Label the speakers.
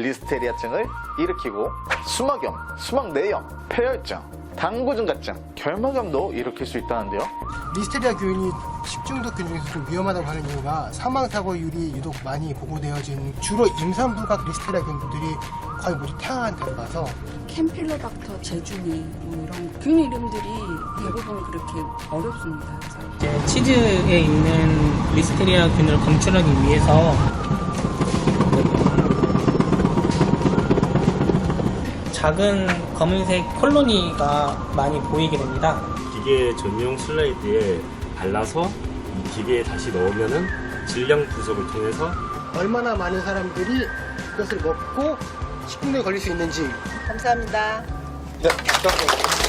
Speaker 1: 리스테리아증을 일으키고 수막염, 수막내염, 폐혈증, 당구증가증, 결막염도 일으킬 수 있다는데요.
Speaker 2: 리스테리아균이 식중독균 중에서 좀 위험하다고 하는 이유가 사망사고율이 유독 많이 보고되어진 주로 임산부각 리스테리아균들이 거의 모두 태아한테 가서
Speaker 3: 캠필로박터, 제주니 뭐 이런 균 이름들이 대부분 그렇게 어렵습니다.
Speaker 4: 이제 치즈에 있는 리스테리아균을 검출하기 위해서 작은 검은색 콜로니가 많이 보이게 됩니다.
Speaker 5: 기계 전용 슬라이드에 발라서 이 기계에 다시 넣으면은 질량 분석을 통해서
Speaker 2: 얼마나 많은 사람들이 이것을 먹고 식중독에 걸릴 수 있는지
Speaker 6: 감사합니다.
Speaker 1: 네,